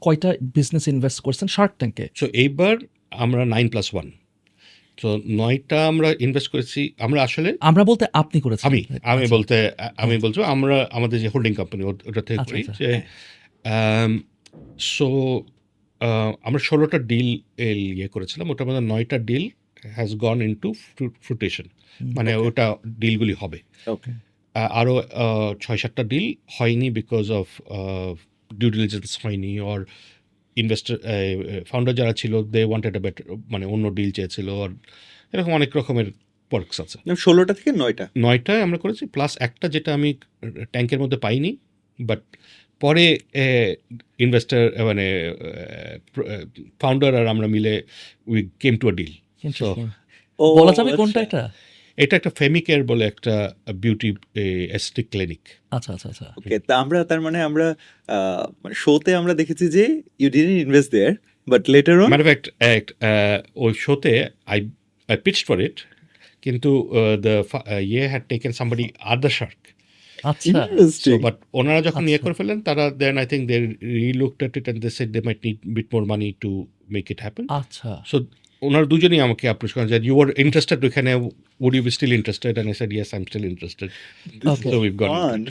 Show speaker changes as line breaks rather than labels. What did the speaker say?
কয়টা business invest করছেন shark ট্যাঙ্কে?
সো এইবার আমরা 9+1, তো 9টা আমরা ইনভেস্ট করেছি। আমরা আসলে
আমরা বলতে আপনি করেছেন?
আমি
আচ্ছা।
বলতে আমি বলছো আমরা আমাদের যে হোল্ডিং কোম্পানি ওটা থেকে
আচ্ছা,
করি
আচ্ছা।
যে সো আমরা 16টা ডিল ইয়ে করেছিলাম, ওটার মধ্যে 9টা deal has gone into fruition, মানে
Okay.
ওটা ডিলগুলি হবে।
ওকে
আরও 6-7টা ডিল হয়নি বিকজ অফ ডিউ ডিলিজেন্স হয়নি, অর ইনভেস্টার ফাউন্ডার যারা ছিল দে ওয়ান্টেড এ বেটার, মানে অন্য ডিল চেয়েছিল, আর এরকম অনেক রকমের পার্কস আছে।
16টা থেকে 9টা
9টায় আমরা করেছি, প্লাস একটা যেটা আমি ট্যাঙ্কের মধ্যে পাইনি, বাট পরে ইনভেস্টার মানে ফাউন্ডার আর আমরা মিলে we came to a deal. So
ও
বলা যাবে কোনটা
আচ্ছা।
এটা?
এটা একটা ফেমিকেয়ার বলে একটা বিউটি এস্থেটিক ক্লিনিক।
আচ্ছা, আচ্ছা, আচ্ছা।
ওকে, তা আমরা তার মানে আমরা মানে শোতে আমরা দেখেছি যে you didn't invest there but later on
matter fact ওই শোতে আই পিচড ফর ইট, কিন্তু দ্য ইয়ে had taken somebody other shark.
আচ্ছা।
সো
ইন্টারেস্টিং
বাট ওনারা যখন ইয়ে
আচ্ছা।
করে ফেলেন, তারা then I think they relooked at it and they said they might need bit more money to make it happen.
আচ্ছা।
সো ওনারা দুজনেই আমাকে অ্যাপ্রোচ করেন যে ইউ আর ইন্টারেস্টেড ওইখানে, would you be still interested, and I said yes I am still interested.
Okay.
So we've got
fun